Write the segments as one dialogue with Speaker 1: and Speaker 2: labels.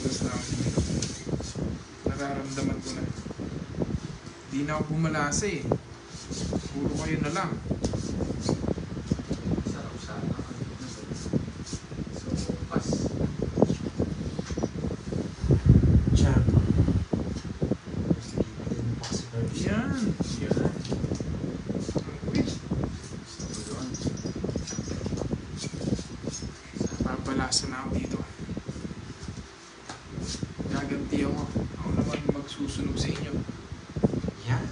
Speaker 1: lumabas na ako dito. Nararamdaman ko na. Hindi na ako bumalasa eh. Puro kayo na lang.
Speaker 2: Sarap sana. So, pas.
Speaker 3: Champ.
Speaker 1: Yan.
Speaker 2: Yan.
Speaker 1: Wait.
Speaker 2: Gusto ko yun.
Speaker 1: Papalasa na ako dito. Gaganti ako. Ako naman magsusunog sa inyo.
Speaker 3: Yan.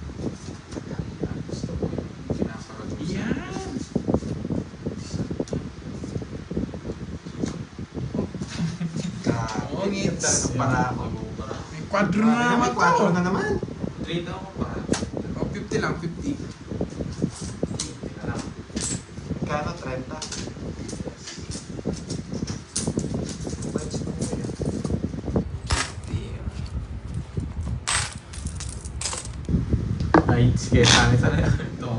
Speaker 2: Gusto ko yung pinaparad mo sa
Speaker 1: Yan.
Speaker 3: Oo, ngit. Para ako.
Speaker 1: May kwadro na naman to.
Speaker 3: 4 na naman.
Speaker 2: 3 daw ako para.
Speaker 1: O, 50 lang, 50.
Speaker 2: Hindi na lang.
Speaker 3: Kano 30?
Speaker 2: Ay, sige, sana ito.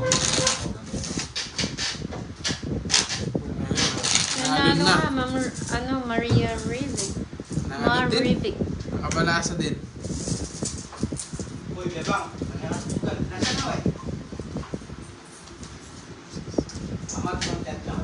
Speaker 1: Nahalin na.
Speaker 4: Maria Rivik.
Speaker 1: Nahalin din.
Speaker 4: Rivik.
Speaker 1: Nakabalasa din.
Speaker 5: Uy, bebang. Nasaan na eh? Amat content lang.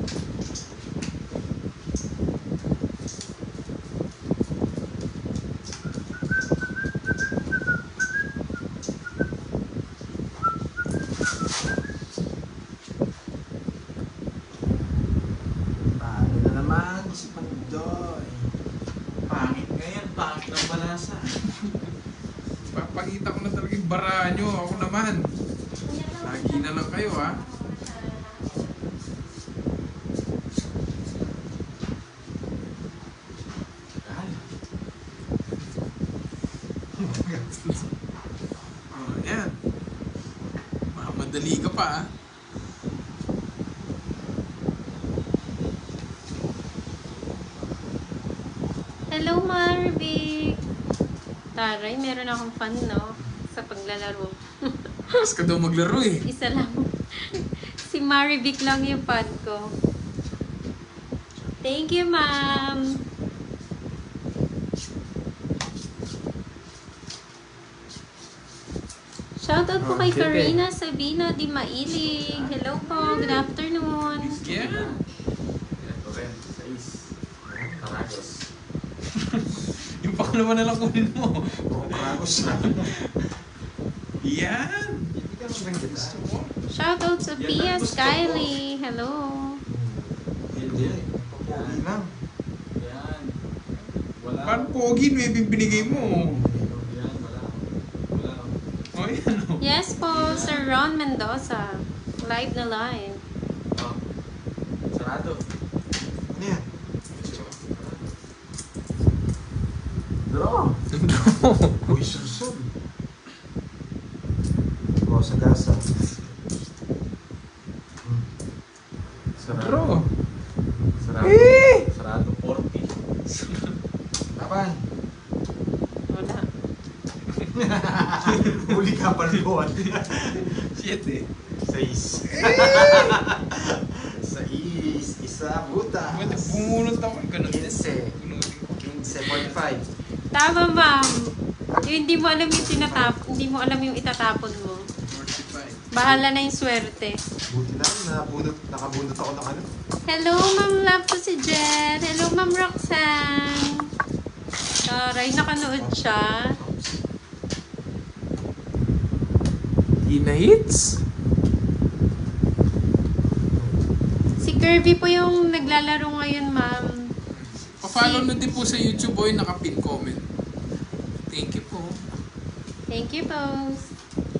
Speaker 3: Paano na naman si Pandoy?
Speaker 2: Pangit ngayon, pangit ng balasa.
Speaker 1: Papakita ko na talaga yung bara nyo. Ako naman. Lagi na lang kayo ha.
Speaker 2: Ay,
Speaker 1: Oh, yan. Mamadali ka pa ha.
Speaker 4: Hello, Marvic! Taray, meron akong fan, no? Sa paglalaro.
Speaker 1: Mas ka daw maglaro eh.
Speaker 4: Isa lang. Si Marivic lang yung fan ko. Thank you, ma'am! Shoutout po kay
Speaker 3: Okay.
Speaker 4: Karina Sabina Di Mailing. Hello po, good afternoon.
Speaker 1: Yan.
Speaker 2: ito rin. 6. Taragos.
Speaker 1: Yung pangalawa na lang kunin mo.
Speaker 3: Kragos na.
Speaker 1: Yan.
Speaker 3: Hindi ka magandang kita.
Speaker 1: Gusto mo?
Speaker 4: Shoutout sa Pia Skyly. Hello.
Speaker 3: Hindi. Pogi lang.
Speaker 2: Yan. Wala.
Speaker 1: Parang pogi no yung binigay mo.
Speaker 2: Yan, wala. Wala.
Speaker 1: O yan o.
Speaker 4: Yes po, Sir Ron Mendoza. Live na live.
Speaker 2: Oh. Sarado.
Speaker 3: Ano yan? Draw. Uy, susod. O, sa gasa.
Speaker 2: Sarado.
Speaker 1: Draw.
Speaker 2: Sarado.
Speaker 1: Eh!
Speaker 2: Sarado 40.
Speaker 3: Laban.
Speaker 4: Wala.
Speaker 3: Huli ka pa luwan.
Speaker 1: 7.
Speaker 3: 6. 6. Isa, buta.
Speaker 1: Buti bumunot ako. Ganun.
Speaker 3: 15.
Speaker 1: Bunutin ko.
Speaker 3: 15.5.
Speaker 4: Tama, ma'am. Yung hindi mo alam yung hindi mo alam yung itatapon mo.
Speaker 1: 45.
Speaker 4: Bahala na yung swerte.
Speaker 3: Buti lang, nakabunot ako ng ano.
Speaker 4: Hello, Ma'am Love to si Jen. Hello, Ma'am Roxanne. Taray, nakanood siya.
Speaker 1: Ina hits.
Speaker 4: Si Kirby po yung naglalaro ngayon, ma'am.
Speaker 1: Pa-follow na din po sa YouTube o yung naka-pin comment. Thank you po.
Speaker 4: Thank you, boss.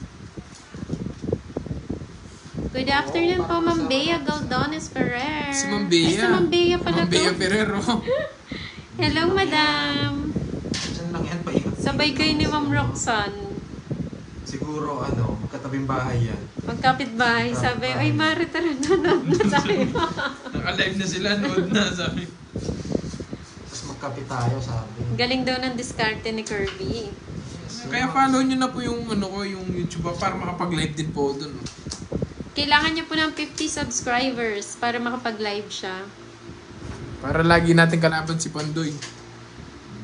Speaker 4: Good afternoon po, Ma'am Bea Galdones Ferrer.
Speaker 1: Si Ma'am
Speaker 4: Ay,
Speaker 1: Bea.
Speaker 4: si Ma'am Bea pala
Speaker 1: Ma'am Bea
Speaker 4: to.
Speaker 1: Ferrero.
Speaker 4: Hello, madam.
Speaker 3: Diyan lang yan, paikot.
Speaker 4: Sabay kayo ni Ma'am Roxanne.
Speaker 3: Siguro, ano, magkatabing bahay yan.
Speaker 4: Magkapit-bahay. Sabi, ay, Mari, tara, nanood na tayo.
Speaker 1: Naka-live na sila, nood na sabi.
Speaker 3: Tapos magkapit tayo, sabi.
Speaker 4: Galing daw ng diskarte ni Kirby.
Speaker 1: Kaya follow nyo na po yung ano ko, yung YouTube para makapag-live din po doon.
Speaker 4: Kailangan niya po ng 50 subscribers para makapag-live siya.
Speaker 1: Para lagi natin kalaban si Pandoy.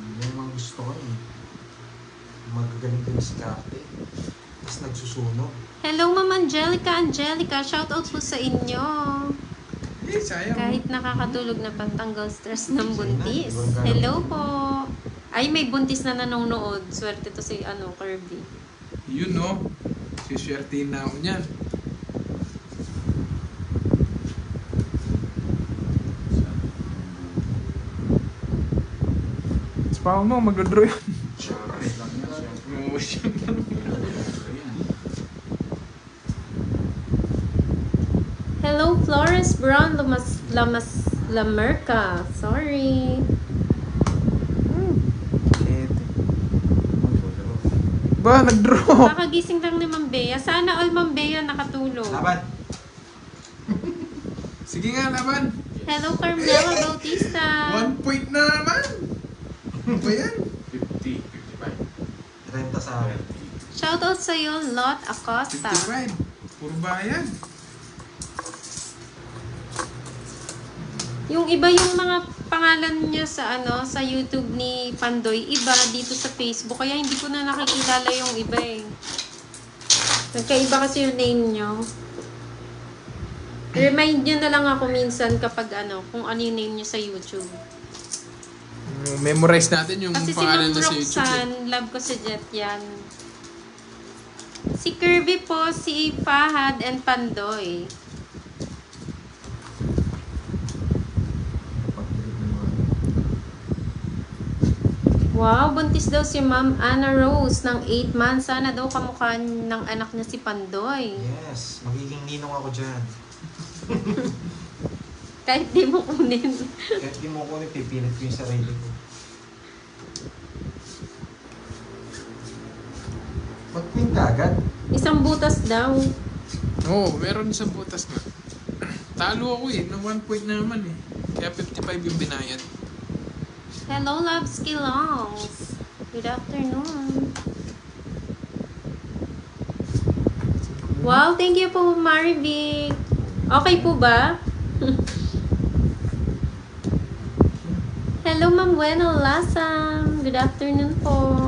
Speaker 3: Galing din si Karte. Tapos nagsusunog.
Speaker 4: Hello, Ma'am Angelica. Angelica, shoutout po sa inyo.
Speaker 1: Eh, sayang.
Speaker 4: Kahit nakakatulog na pantanggal stress ng buntis. Hello po. Ay, may buntis na nanonood. Swerte to si Kirby.
Speaker 1: Yun, no? Siswertein na ako niyan. Spawn mo, mag-draw yun.
Speaker 3: Siyempre.
Speaker 1: Oo, siyempre.
Speaker 4: Hello, Flores Brown Lamerca. Sorry.
Speaker 1: Ba, nag-draw.
Speaker 4: Kakagising lang ni Ma'am Bea. Sana all Ma'am Bea nakatulog.
Speaker 3: Laban.
Speaker 1: Sige nga, laban.
Speaker 4: Hello, Carmela Bautista.
Speaker 1: 1 point na naman. Ano ba yan?
Speaker 2: 50, 55.
Speaker 3: Renta sa akin.
Speaker 4: Shoutout sa'yo, Lot Acosta.
Speaker 1: 55. Puro bayan.
Speaker 4: Yung iba yung mga pangalan niya sa sa YouTube ni Pandoy, iba dito sa Facebook. Kaya hindi ko na nakikilala yung iba eh. Nagkaiba kasi yung name nyo. Remind nyo na lang ako minsan kapag kung ano yung name nyo sa YouTube.
Speaker 1: Memorize natin yung
Speaker 4: Kasi si
Speaker 1: pangalan
Speaker 4: Ma'am
Speaker 1: na sa YouTube.
Speaker 4: Roxanne, love ko si Jet yan. Si Kirby po, si Fahad and Pandoy. Wow, buntis daw si Ma'am Anna Rose ng 8 months. Sana daw kamukha ng anak niya si Pandoy.
Speaker 3: Yes, magiging ninong ako dyan.
Speaker 4: Kahit di mo kunin.
Speaker 3: Kahit di mo ko pipilit ko yung sarili ko. Ba't queen ka agad?
Speaker 4: Isang butas daw.
Speaker 1: Oo, meron isang butas nga. Talo ako ng 1 point na naman eh. Kaya 55 yung binayad.
Speaker 4: Hello, Love Skillongs. Good afternoon. Wow, thank you po, Marivic. Okay po ba? Hello, Ma'am Bueno Lasam. Good afternoon po.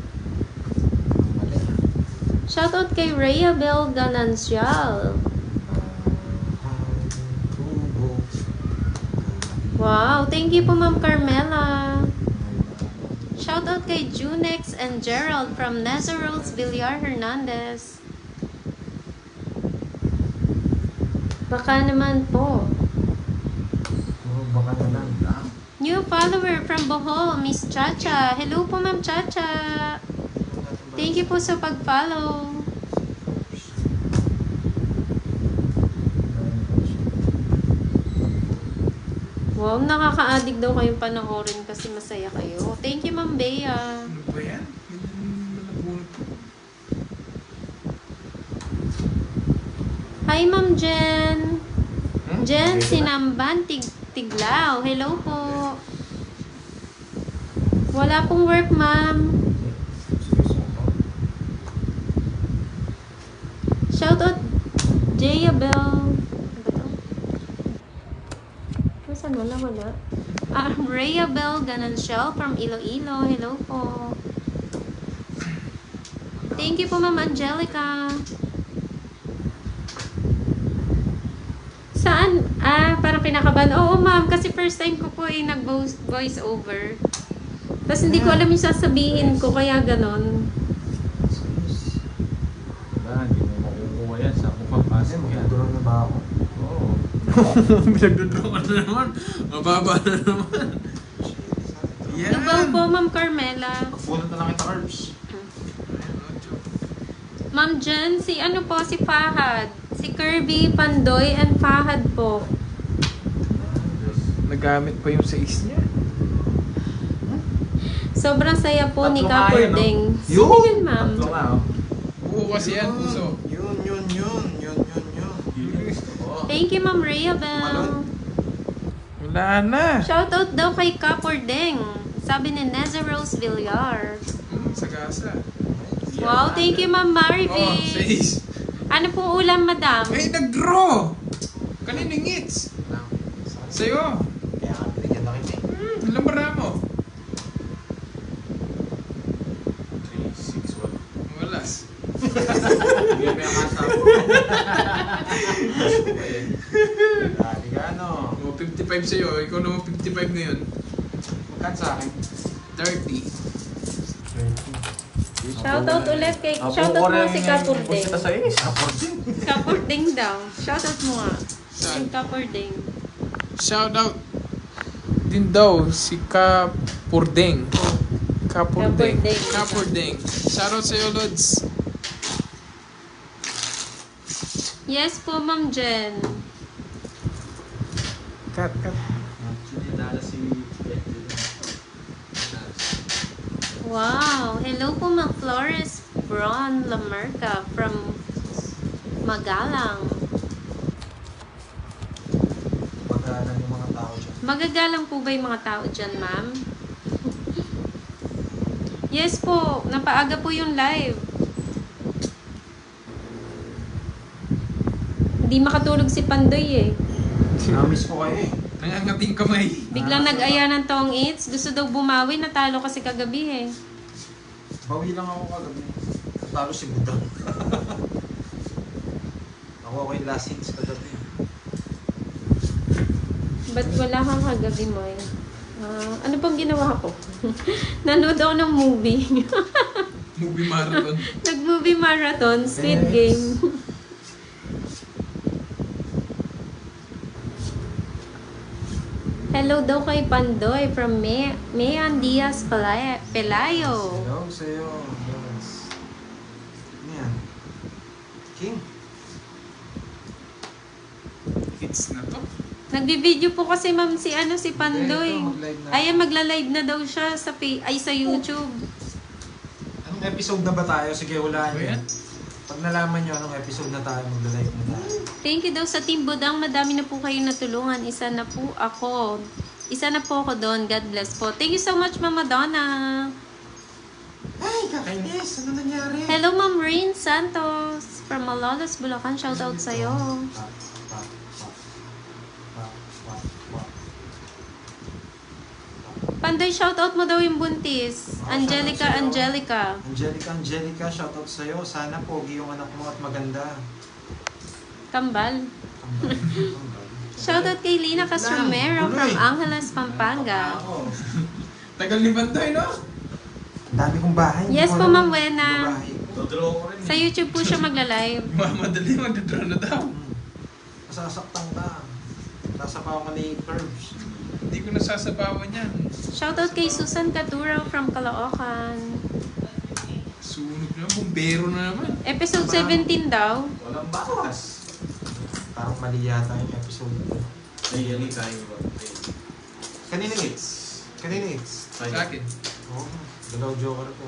Speaker 4: Shoutout kay Rhea Bel Ganancial. Wow, thank you po, Ma'am Carmela. Shoutout kay Junex and Gerald from Nazaro's Villar Hernandez. Baka naman po.
Speaker 3: Baka na lang.
Speaker 4: New follower from Bohol, Miss Chacha. Hello po, Ma'am Chacha. Thank you po sa pag-follow. Wow, nakaka-addict daw kayong panoorin kasi masaya kayo. Thank you, Ma'am Bea.
Speaker 1: Ano ba yan?
Speaker 4: Hi, Ma'am Jen. Jen Sinamban Tiglao. Hello po. Wala pong work, Ma'am. Shoutout Jayabel. Saan wala? Rhea Bel Ganancial from Iloilo. Hello po. Thank you po, Ma'am Angelica. Saan? Parang kinakabahan. Oo, ma'am. Kasi first time ko po nag-voice over. Tapos hindi ko alam yung sasabihin ko. Kaya ganon.
Speaker 2: Hindi mo makukuha yan sa pumapasok yan.
Speaker 3: Magduro na ba ako?
Speaker 2: Oo.
Speaker 1: Pinagdodraw ka na naman. Mababa na naman. Yan.
Speaker 4: Lubaw po, Ma'am Carmela.
Speaker 2: Pagpunod na lang kita, Herbs.
Speaker 4: Ma'am Jen, si Fahad. Si Kirby, Pandoy, and Fahad po.
Speaker 1: Nagamit pa yung 6 niya.
Speaker 4: Sobrang saya po ni
Speaker 2: Tatlo nga yun,
Speaker 4: Kapurding.
Speaker 3: no?
Speaker 4: Sino yun, ma'am?
Speaker 2: Tatlo nga, oh.
Speaker 1: Buo kasi yan, puso.
Speaker 3: Yun.
Speaker 2: Yun yung gusto ko.
Speaker 4: Thank you, Ma'am Rhea Bel.
Speaker 3: Malon.
Speaker 1: Wala na.
Speaker 4: Shoutout daw kay Kapurding. Sabi ni Nazaro's Villar.
Speaker 1: Sagasa.
Speaker 4: Wow, thank you, Ma'am
Speaker 1: Oh,
Speaker 4: Marivic.
Speaker 1: 6.
Speaker 4: Ano pong ulam, madam?
Speaker 1: Ay, nag-draw! Kaninong hits? Sa'yo.
Speaker 3: Kaya ka binigyan na kita eh.
Speaker 1: Alam ba mo?
Speaker 2: 3, 6, 1.
Speaker 3: Dali ka ano.
Speaker 1: O, 55 sa'yo. Ikaw naman 55 ngayon.
Speaker 3: Magkan sa akin.
Speaker 1: 30.
Speaker 4: Shoutout ulit kay... Shoutout mo si Kapurding.
Speaker 2: Punta sa is.
Speaker 4: Kapurding daw. Shoutout mo nga.
Speaker 1: Saan?
Speaker 4: Si Kapurding.
Speaker 1: Shout out din daw si Kapurdeng. Kapurdeng.
Speaker 4: Kapurdeng.
Speaker 1: Kapurdeng. Shout out sa'yo, Lods.
Speaker 4: Yes po, Ma'am Jen.
Speaker 1: Cut.
Speaker 2: Actually, nala si
Speaker 4: Wow. Hello po, Ma'am Flores Bron Lamerca from Magalang.
Speaker 3: Magalang yung mga tao dyan.
Speaker 4: Magagalang po ba yung mga tao dyan, ma'am? Yes po. Napaaga po yung live. Hindi makatulog si Pandoy eh.
Speaker 3: Namiss ko kayo eh.
Speaker 1: Nangangating kamay.
Speaker 4: Biglang nag-aya ng tong eats. Gusto daw bumawi. Natalo kasi kagabi eh.
Speaker 3: Bawi lang ako kagabi. Natalo si Budang. Ako yung last hits kagabi.
Speaker 4: Ba't wala kang kagabi mo eh? Ano pang ginawa ko? Nanood ako ng movie.
Speaker 1: Movie marathon.
Speaker 4: Nag-movie marathon. Squid Game. Hello daw kay Pandoy from Mayan Diaz Pelayo.
Speaker 3: Hello sa'yo. Yes. Ano yan? King.
Speaker 1: Hits na to.
Speaker 4: Nagbi-video po kasi ma'am si Pandoy.
Speaker 3: Ito, mag-live na.
Speaker 4: Ay, magla-live na daw siya sa sa YouTube.
Speaker 3: Anong episode na ba tayo? Sige, hulaan
Speaker 1: Ano
Speaker 3: nyo.
Speaker 1: yan?
Speaker 3: Pag nalaman nyo anong episode na tayo, magla-live na tayo.
Speaker 4: Thank you daw sa Team Budang. Madami na po kayo natulungan. Isa na po ako doon. God bless po. Thank you so much, Mama Donna.
Speaker 3: Ay, kakainis! Ano nangyari?
Speaker 4: Hello, Ma'am Rain Santos from Malolos, Bulacan. Shoutout sa'yo. Pandoy, shoutout mo daw yung buntis. Angelica, Angelica.
Speaker 3: Angelica, shoutout sa'yo. Sana pogi yung anak mo at maganda.
Speaker 4: Kambal. Shoutout kay Lina Castromero from Angeles, Pampanga.
Speaker 1: Tagal ni Bantoy, no?
Speaker 3: Ang dami kong bahay.
Speaker 4: Yes po, Ma'am Wena.
Speaker 2: Dodraw ko rin.
Speaker 4: Sa YouTube po siya magla-live.
Speaker 1: Mamadali, magdadraw na daw.
Speaker 3: Masasaktan ka. Sasapaw ka ni Curbs.
Speaker 1: Hindi ko nasasabawan yan.
Speaker 4: Shoutout kay Susan Caturo from Caloocan.
Speaker 1: Sunog na, bumbero na naman.
Speaker 4: Episode 17 daw.
Speaker 2: Walang bakas.
Speaker 3: Parang mali yata yung episode.
Speaker 2: Ay, yan tayo ba?
Speaker 3: Kanina hits.
Speaker 1: Sa akin.
Speaker 3: Oo. Dalaw joker ko.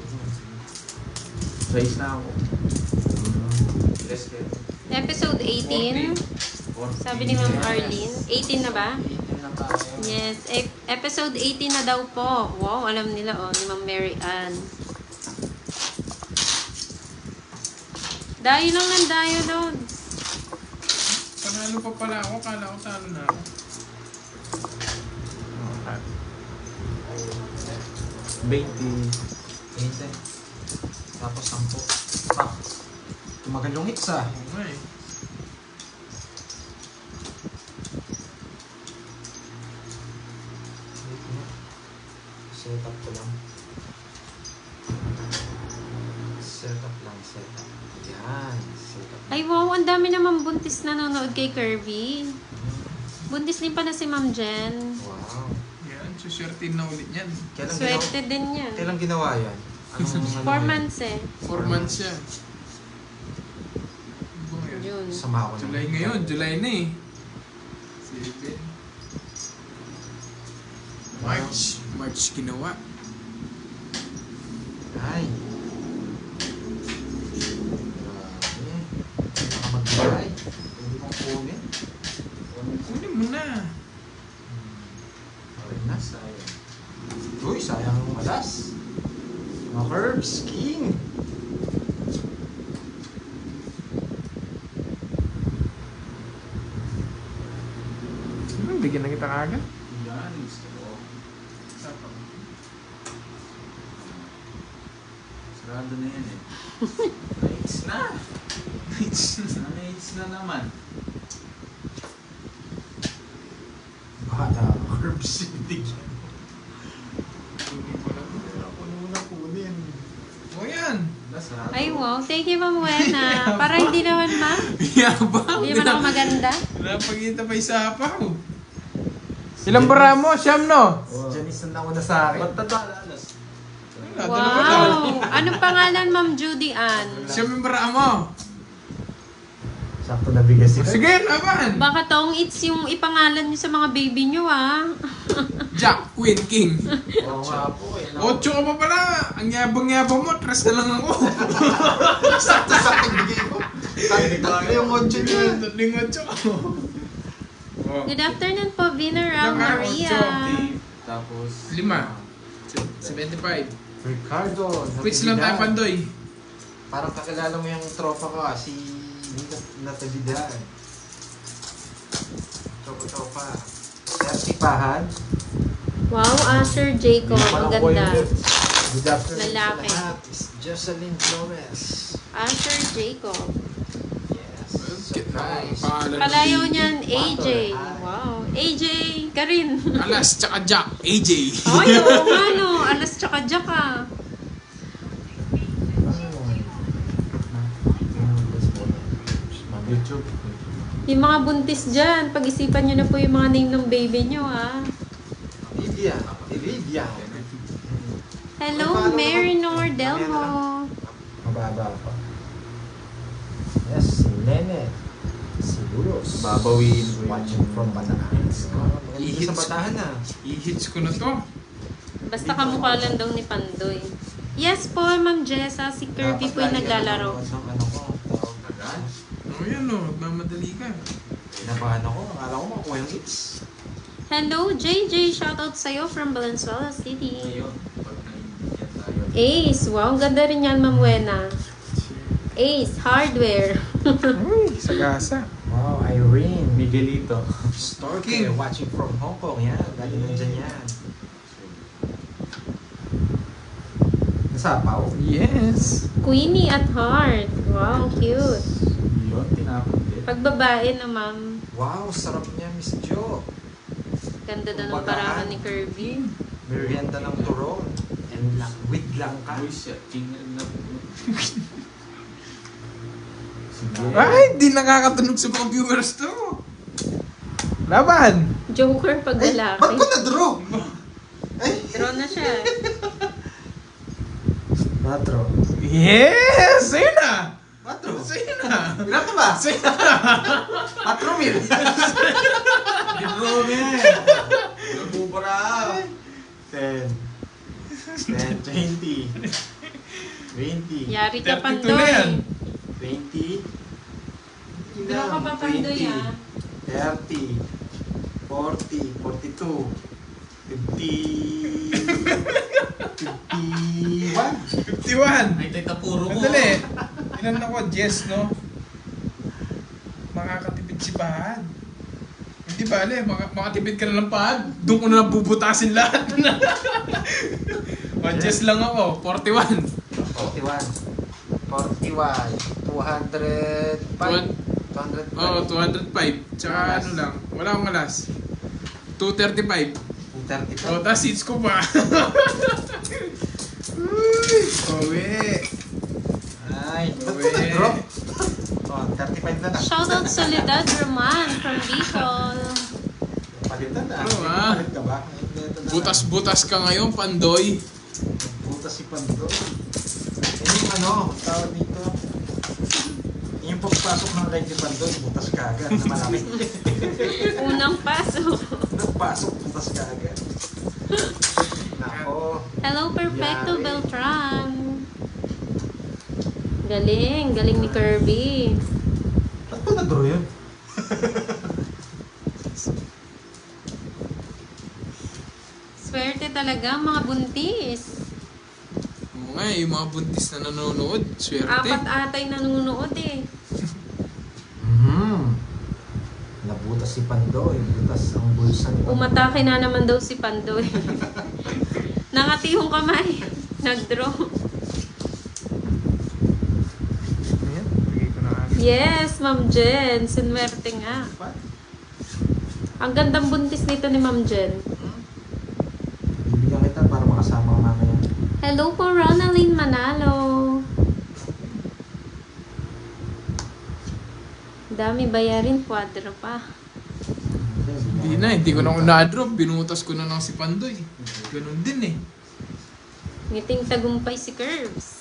Speaker 2: Size na ako. Yes, kaya.
Speaker 4: Episode 18. Sabi ni Ma'am Arlene. 18 na ba?
Speaker 3: Na tayo.
Speaker 4: Yes. Episode 18 na daw po. Wow, alam nila ni Ma'am Mary Ann. Dayo lang ng dayo doon.
Speaker 1: Panalo pa pala ako, kala ko talo na ako.
Speaker 2: 20.
Speaker 3: 20. Tapos 10. Pak. Tumagal yung hits ah.
Speaker 1: Oo nga eh.
Speaker 3: Setup ko lang. Setup. Yan. Setup.
Speaker 4: Ay wow, ang dami naman buntis na nanonood kay Kirby. Buntis din pala si Ma'am Jen.
Speaker 3: Wow.
Speaker 1: Yan, suswertin na ulit yan.
Speaker 4: Swerte din yan.
Speaker 3: Kailan ginawa yan?
Speaker 4: 4 months eh.
Speaker 1: 4 months yan. Ano ba ngayon?
Speaker 4: June.
Speaker 3: Sama ko naman.
Speaker 1: July ngayon, July na eh. 7. March ginawa.
Speaker 3: Ay. Grabe. Baka mag-try. Hindi kong kunin.
Speaker 1: Kunin mo na.
Speaker 3: Ayun na, sayang. Uy, sayang ang alas. Mga Curbs, King.
Speaker 1: Bigyan na kita kagad.
Speaker 2: Yan, gusto ko. Sarado na yan eh. AIDS na. AIDS na naman.
Speaker 3: Bata, herbs. Tigyan.
Speaker 1: Kunin ko lang.
Speaker 3: Ako muna kunin.
Speaker 1: O yan.
Speaker 2: Lasado.
Speaker 4: Ay, wow. Thank you, Ma'am Wena. Para hindi naman, ma'am.
Speaker 1: Yabang.
Speaker 4: Hindi naman ako maganda.
Speaker 1: Napagkita pa isapaw. Ilang bara mo? Siyam, no?
Speaker 2: Wow.
Speaker 3: Janice na nauna sa akin.
Speaker 2: Ba't tatalalas?
Speaker 4: Wow. Anong pangalan, Ma'am Judy Ann?
Speaker 1: Siyam yung bara mo.
Speaker 3: Sakto nabigay si
Speaker 1: Sige, laban.
Speaker 4: Baka tong it's yung ipangalan niyo sa mga baby niyo, ah.
Speaker 1: Jack, Queen, King.
Speaker 3: Oo nga po eh.
Speaker 1: Ocho ka pa pala. Ang yabang-yabang mo. Tres na lang ako.
Speaker 3: Sakto bigay ko. Tatlo yung 8 niya.
Speaker 1: Tatling ocho. Oh.
Speaker 4: Good afternoon po, Vineral
Speaker 1: Ilang ka?
Speaker 4: Maria.
Speaker 2: Tapos...
Speaker 1: 5. 75.
Speaker 3: Ricardo.
Speaker 1: Quits lang tayo, Pandoy.
Speaker 3: Parang kakilala mo yung tropa ko si Natividad. Tropa. Sertipahan.
Speaker 4: Wow, Asher Jacob. Ang ganda.
Speaker 3: Good afternoon
Speaker 4: Lalaki.
Speaker 3: sa lahat. It's Jocelyn Flores.
Speaker 4: Asher Jacob.
Speaker 3: Yes. Surprise.
Speaker 4: Kalayo niyan, AJ. Wow. AJ ka rin.
Speaker 1: Alas, tsaka Jack. AJ.
Speaker 4: Ay, oo nga no. Alas tsaka Jack ah.
Speaker 2: YouTube.
Speaker 4: Yung mga buntis dyan, pag-isipan nyo na po yung mga name ng baby nyo ah.
Speaker 3: Olivia.
Speaker 4: Hello, Mary Nordelmo.
Speaker 3: Mababa pa. Yes, si Nene. Si Bulos.
Speaker 2: Babawiin ko
Speaker 3: Watching from Bataan.
Speaker 1: Ihits.
Speaker 3: Sa Bataan na.
Speaker 1: I-hits ko na to.
Speaker 4: Basta kamukha lang daw ni Pandoy. Yes po, Ma'am Jessa. Si Kirby po yung naglalaro.
Speaker 3: Ano ko?
Speaker 1: O yan o. Magmamadali ka.
Speaker 3: Nabahan ako. Akala ko makuha yung hits.
Speaker 4: Hello, JJ. Shoutout sa'yo from Valenzuela City.
Speaker 2: Ngayon, pag naiintindihan tayo.
Speaker 4: Ace. Wow, ang ganda rin yan, Ma'am Wena. Ace Hardware.
Speaker 1: Uy, sagasa.
Speaker 3: Wow, Irene.
Speaker 2: Miguelito.
Speaker 3: Storke. Watching from Hong Kong. Yan. Galing nandyan yan. Nasapaw.
Speaker 1: Yes.
Speaker 4: Queenie at Heart. Wow, cute.
Speaker 2: Yun, tinapon din.
Speaker 4: Pagbabae na, Ma'am.
Speaker 3: Wow, sarap niya, Miss Jo.
Speaker 4: Ganda daw ng parahan ni Kirby.
Speaker 3: Merienda ng turon. And with langka.
Speaker 2: Uy, siya. King na po.
Speaker 1: Ay, di nakakatunog sa mga viewers to. Laban.
Speaker 4: Joker pag lalaki.
Speaker 3: Ba't ko na-draw?
Speaker 4: Draw na siya.
Speaker 3: Patro.
Speaker 1: Yes! Sa'yo na!
Speaker 3: Patro.
Speaker 1: Sa'yo na!
Speaker 3: Ilan ka ba?
Speaker 1: Sa'yo na!
Speaker 3: Patro mil.
Speaker 2: Draw niya. Nabubara.
Speaker 3: 10. 10, 20. 20.
Speaker 4: Yari ka,
Speaker 1: 32 na yan.
Speaker 4: Pandoy.
Speaker 3: 20.
Speaker 4: Draw ka pa, Pandoy, ah.
Speaker 3: 30. 40. 42. 50. 51.
Speaker 1: 51!
Speaker 2: Ay, tayo puro mo.
Speaker 1: Madali. Ilan ako? Yes, no? Makakatipid si Pahad. Hindi bale, makatipid ka na ng Pahad. Doon ko na lang bubutasin lahat. Yes lang ako. 41.
Speaker 3: 41. 41. 205. 205.
Speaker 1: Oh, 205. Tsaka ano lang. Wala akong alas. 235.
Speaker 3: 235.
Speaker 1: Oh, tas seats ko pa. Uy! Uwi!
Speaker 3: Ay, ba't ko nag-drop? Oh, 35 na na.
Speaker 4: Shoutout Soledad Roman from Bicol.
Speaker 3: Palitan na.
Speaker 1: Oo, ah.
Speaker 3: Palit ka ba?
Speaker 1: Butas-butas ka ngayon, Pandoy.
Speaker 3: Butas si Pando. Yung ano, tawag dito. Yung pagpasok ng kay Pando, butas ka agad na malaki.
Speaker 4: Unang pasok.
Speaker 3: Nagpasok, butas ka agad. Nako.
Speaker 4: Hello, Perfecto
Speaker 3: Yari.
Speaker 4: Beltran. Galing. Galing ni Kirby.
Speaker 3: Ba't ko nag-draw yun?
Speaker 4: Swerte talaga, mga buntis.
Speaker 1: Oo nga, yung mga buntis na nanonood, swerte.
Speaker 4: Apat atay nanonood eh.
Speaker 3: Nabutas si Pandoy. Butas ang bulsa ni Pandoy.
Speaker 4: Umatake na naman daw si Pandoy. Nangati yung kamay. Nag-draw. Yes, Ma'am Jen. Sinwerte nga.
Speaker 3: Pa?
Speaker 4: Ang gandang buntis nito ni Ma'am Jen.
Speaker 3: Bibigyan kita para makasama ka mamaya.
Speaker 4: Hello po, Ronaline Manalo. Dami bayarin, quadro pa.
Speaker 1: Hindi ko na na-drop. Binutas ko na lang si Pandoy. Ganun din eh.
Speaker 4: Ngiting tagumpay si Curves.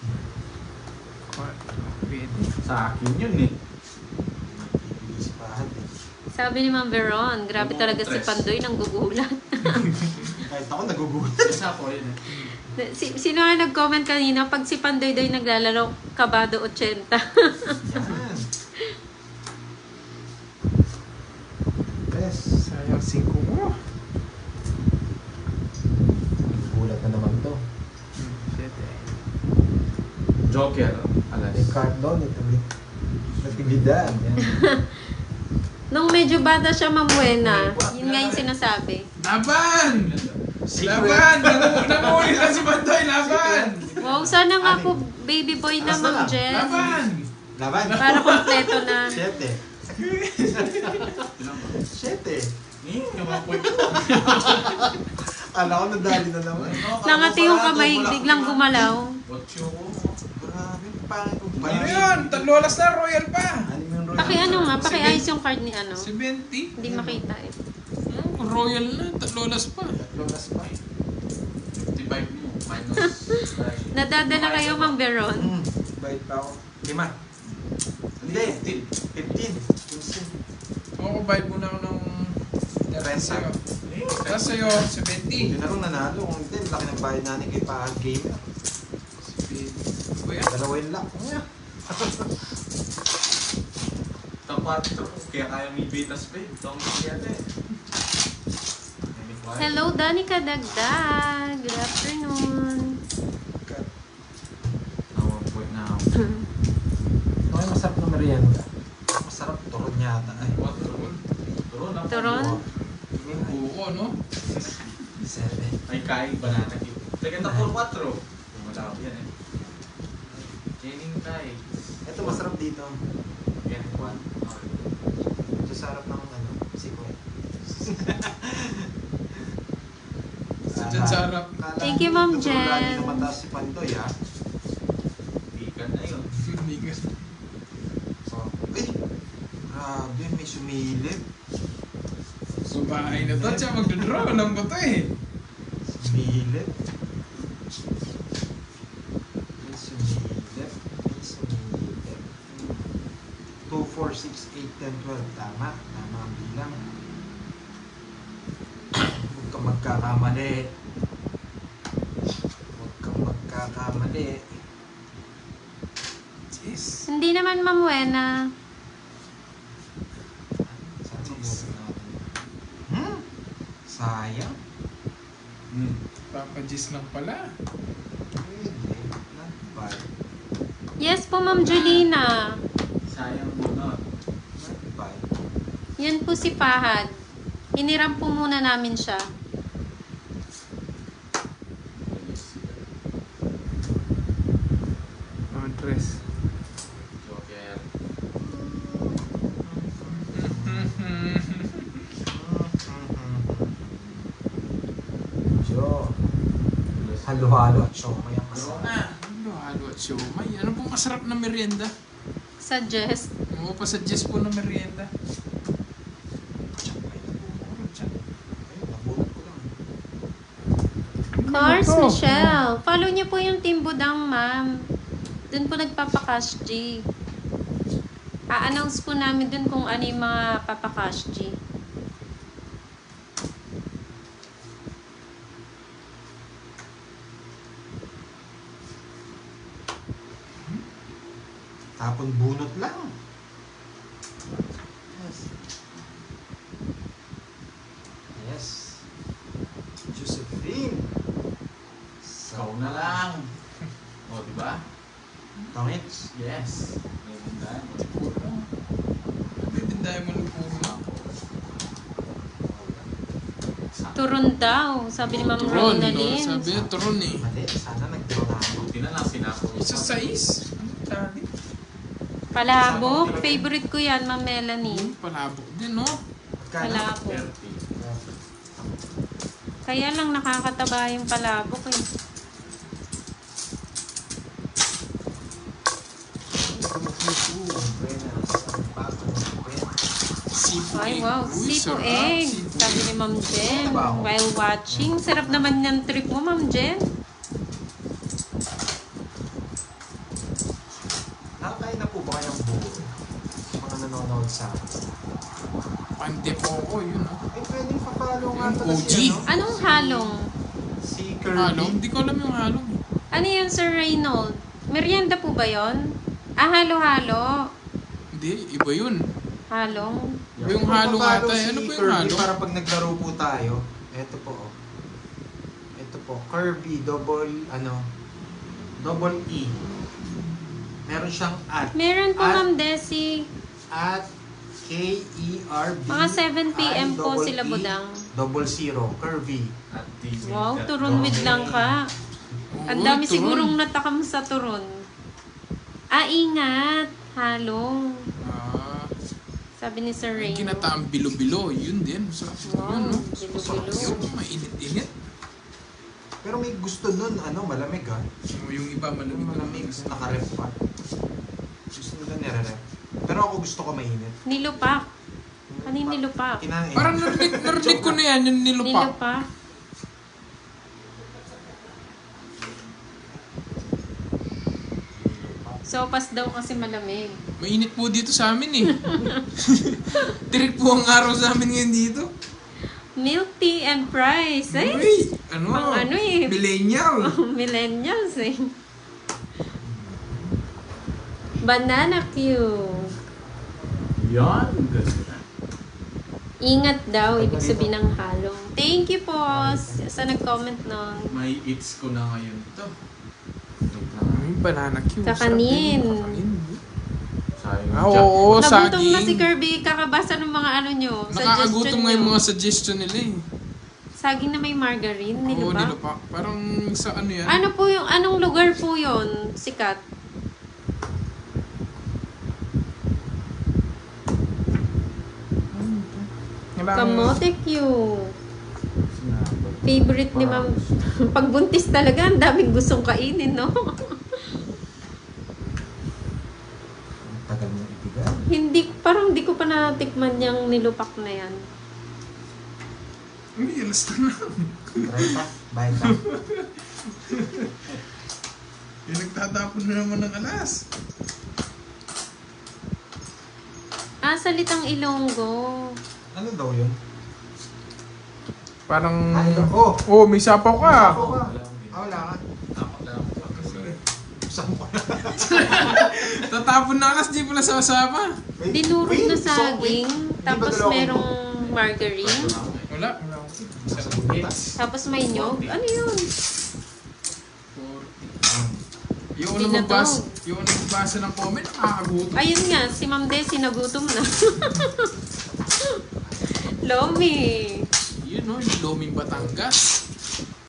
Speaker 2: Sa akin yun eh.
Speaker 3: Bibigyan si Pahad eh.
Speaker 4: Sabi ni Ma'am Veron, grabe talaga si Pandoy nang gugulat.
Speaker 3: Kahit ako nagugulat.
Speaker 2: Isa ko yun eh.
Speaker 4: Sino nga nag-comment kanina, pag si Pandoy daw yung naglalaro, kabado 80.
Speaker 3: Yan. Yes.
Speaker 1: Sayang 5 mo.
Speaker 3: Gulat na naman to.
Speaker 1: Shit eh.
Speaker 2: Joker, alas.
Speaker 3: May card doon ito. Natividad. Yan.
Speaker 4: Nung medyo bata siya, Ma'am Buena, yun nga yung sinasabi.
Speaker 1: Laban! Laban! Nanguhuli na si Pandoy! Laban!
Speaker 4: Wow, sana nga po baby boy na Ma'am Jen.
Speaker 1: Laban!
Speaker 3: Laban.
Speaker 4: Para kompleto na.
Speaker 3: 7. 7.
Speaker 2: Yung mga point ko.
Speaker 3: Kala ko nadali na naman.
Speaker 4: Nangati yung kamay, biglang gumalaw.
Speaker 2: Watcho ko.
Speaker 3: Grabe, pangit kong
Speaker 1: Ano yun? Lolas na, royal pa!
Speaker 4: Paki-ano nga, paki-ayos yung card ni ano.
Speaker 1: 70?
Speaker 4: Hindi makita eh.
Speaker 1: Royal na, lolas pa.
Speaker 3: Lolas pa.
Speaker 2: 55 mo. Minus.
Speaker 4: Nadadala kayo, Ma'am Veron.
Speaker 3: Bait pa ako. 5. Hindi. 15.
Speaker 1: Ako, bayad muna ako ng... Rent sa'yo. Kaya sa'yo, 70.
Speaker 3: Hindi na rin nanalo. Kung hindi, laki ng bayad natin kay Pahad Gamer.
Speaker 1: Kuya?
Speaker 3: Dalawin lang.
Speaker 2: Tapat ito. Kaya kaya may betas pa eh. Itong yan eh.
Speaker 4: Hello, Danica Dagdag. Good afternoon.
Speaker 2: Point na ako.
Speaker 3: Okay, masarap na merienda. Masarap turon yata. Ay,
Speaker 2: What? Turon? Turon ako.
Speaker 4: Turon?
Speaker 1: Yung buko, no?
Speaker 3: 7.
Speaker 2: Ay, kain banana cube. Second na 4-4. Wala ko yan eh. Chaining tayo.
Speaker 3: Ito masarap dito.
Speaker 2: Yan, 1.
Speaker 3: Ito sa harap ng ano, sikoy.
Speaker 1: Diyan sa harap.
Speaker 4: Thank you, Ma'am Jen.
Speaker 3: Lagi na mataas si Pandoy, ha?
Speaker 2: Ikan na yun.
Speaker 1: Hindi ka.
Speaker 3: Oh. Ay! Grabe, may sumilip.
Speaker 1: Subahay na to. Siya magdodraw. Alam ko to eh.
Speaker 3: Sumilip. May sumilip. May sumilip. 2, 4, 6, 8, 10, 12. Tama. Tama ang bilang. Huwag kang magkakamali. Huwag kang magkakamali.
Speaker 1: Jeez.
Speaker 4: Hindi naman, Ma'am Buena.
Speaker 3: Saan mabuti natin? Sayang.
Speaker 1: Papa Jeez lang pala.
Speaker 3: Pwede. Not bad.
Speaker 4: Yes po, Ma'am Julina.
Speaker 2: Sayang mo na.
Speaker 3: Not bad.
Speaker 4: Yan po si Pahad. Hiniram po muna namin siya.
Speaker 1: Andres.
Speaker 2: Joker.
Speaker 3: Jo. Halo-halo at siomay ang
Speaker 2: Turon
Speaker 3: masarap.
Speaker 2: na.
Speaker 1: Halo at siomay. Ano pong masarap na merienda?
Speaker 4: Suggest.
Speaker 1: Oo, pa-suggest po na merienda.
Speaker 3: Tsaka yun. Ayun, nabunot ko lang.
Speaker 4: Cars
Speaker 1: Ano to?
Speaker 4: Michelle. Follow niyo po yung Team Budang, ma'am. Doon po nagpapakash G. A-announce po namin doon kung ano yung mga papakash G.
Speaker 3: Tapon bunot lang. Yes. Yes. Josephine.
Speaker 2: Ikaw na lang. O, diba?
Speaker 3: Tongits.
Speaker 2: Yes. May bundahan mo.
Speaker 1: Bibindahin mo ng puro.
Speaker 4: Turon daw, sabi ni Ma'am
Speaker 1: Turon, no?
Speaker 4: Ronaldin.
Speaker 1: Sabi niya, turon eh.
Speaker 3: Mali, sana nagdraw na ako.
Speaker 2: Buti na lang sinako.
Speaker 1: Isa 6. Ano tali?
Speaker 4: Palabok. Favorite ko yan, Ma'am Melanie.
Speaker 1: Palabok din, no?
Speaker 4: Palabok.
Speaker 2: 30.
Speaker 4: Kaya lang nakakataba yung palabok eh.
Speaker 1: Sipo
Speaker 4: Ay,
Speaker 1: egg.
Speaker 4: wow.
Speaker 1: Uy,
Speaker 4: Sipo
Speaker 1: sarap.
Speaker 4: egg.
Speaker 1: Sipo
Speaker 4: Sabi ni
Speaker 1: egg.
Speaker 4: Ma'am Jen.
Speaker 3: Wow.
Speaker 4: While watching. Sarap naman yung trip mo, Ma'am Jen.
Speaker 3: Nakakain na po ba kayong buo? Mga nanonood sa akin.
Speaker 1: Pante po ko, yun, no?
Speaker 3: Eh, pwedeng papalo nga
Speaker 1: Yung
Speaker 3: pala
Speaker 1: OG.
Speaker 3: si, ano?
Speaker 4: Anong halong?
Speaker 3: Si
Speaker 1: Halong?
Speaker 3: Kirby.
Speaker 1: Hindi ko alam yung halong.
Speaker 4: Ano yun, Sir Reynold? Merienda po ba yon? Ah, halo-halo.
Speaker 1: Hindi, iba yun.
Speaker 4: Halong.
Speaker 1: Iba yung halo nga
Speaker 3: Papalo
Speaker 1: tayo.
Speaker 3: si
Speaker 1: Ano ba yung
Speaker 3: Kirby
Speaker 1: halo?
Speaker 3: para pag naglaro po tayo. Ito po, oh. Ito po, Kirby, double E. Meron siyang at.
Speaker 4: Meron po,
Speaker 3: At-
Speaker 4: Ma'am Desi.
Speaker 3: At K-E-R-B.
Speaker 4: Mga 7 p.m. po
Speaker 3: double
Speaker 4: sila,
Speaker 3: E,
Speaker 4: budang.
Speaker 3: double zero, Kirby.
Speaker 2: At the
Speaker 4: Wow, turon with lang ka. Ang dami sigurong natakam sa turon. Ah, ingat. Halong.
Speaker 1: Ah,
Speaker 4: Sabi ni Sir
Speaker 1: yung
Speaker 4: Reynold.
Speaker 1: kinataang bilo-bilo. Yun din. Masarap
Speaker 4: Wow,
Speaker 1: yun, no?
Speaker 4: bilo-bilo.
Speaker 1: Yun, mainit-init.
Speaker 3: Pero may gusto nun, malamig ha.
Speaker 1: Yung iba malamig na
Speaker 3: Malamig, nakarep pa. Gusto nila nire-rep. Pero ako gusto ko mainit.
Speaker 4: Nilupak. Ano yung nilupak?
Speaker 3: Kinain.
Speaker 1: Parang narinig ko na yan, yung nilupak.
Speaker 4: Nilupak. Sopas daw kasi malamig.
Speaker 1: Mainit po dito sa amin eh. Tirik po ang araw sa amin ngayon dito.
Speaker 4: Milk tea and fries. Ay,
Speaker 1: Uy, ano?
Speaker 4: pang ano eh.
Speaker 1: Millennial.
Speaker 4: Millennials eh. Banana Q.
Speaker 2: Yan.
Speaker 4: Ingat daw, ibig sabihin ng halong. Thank you po sa nag-comment nun.
Speaker 2: May eats ko na ngayon to.
Speaker 1: Banana cue.
Speaker 4: Sa
Speaker 1: sarap
Speaker 4: kanin.
Speaker 1: din. Kanin.
Speaker 2: Sayang.
Speaker 1: Ah, oo,
Speaker 4: Nagutom na si
Speaker 1: saging.
Speaker 4: Kirby, kakabasa ng mga ano nyo.
Speaker 1: Nakakagutom nga yung mga suggestion nila eh.
Speaker 4: Saging na may margarine,
Speaker 1: Oo,
Speaker 4: nilupak.
Speaker 1: nilupak. Parang sa ano yan?
Speaker 4: Ano po yung, anong lugar po yon sikat? Kamote Q. Favorite ni Ma'am. Pagbuntis talaga, ang daming gustong kainin, no?
Speaker 3: Tagal mo ibigay.
Speaker 4: Hindi, parang di ko pa natikman yung nilupak na yan.
Speaker 1: Uy, alas na lang.
Speaker 3: Try pa. Bye pa.
Speaker 1: Yung nagtatapon na naman ng alas.
Speaker 4: Ah, salitang Ilonggo.
Speaker 3: Ano daw yun?
Speaker 1: Parang...
Speaker 3: Oh!
Speaker 1: Oh, may sapaw ka.
Speaker 3: Ako ka. Wala ka.
Speaker 2: Takot lang ako.
Speaker 3: Saan ko na?
Speaker 1: Tatapon na alas, di pala sa sapa.
Speaker 3: Wait,
Speaker 4: Dinurog
Speaker 3: wait,
Speaker 4: na
Speaker 3: so, wait.
Speaker 4: saging,
Speaker 3: Hindi ba
Speaker 4: tapos
Speaker 3: dalawa ko?
Speaker 4: merong margarine,
Speaker 1: Wala.
Speaker 3: Sa butas.
Speaker 4: tapos may nyog. Ano yun?
Speaker 1: Yung
Speaker 4: Hindi
Speaker 1: unang
Speaker 4: na to.
Speaker 1: yung unang magbasa ng comment, nakakagutom.
Speaker 4: Ayun nga, si Ma'am Desi nagutom na. Lomi.
Speaker 1: Yun no, yung Luming Batangas.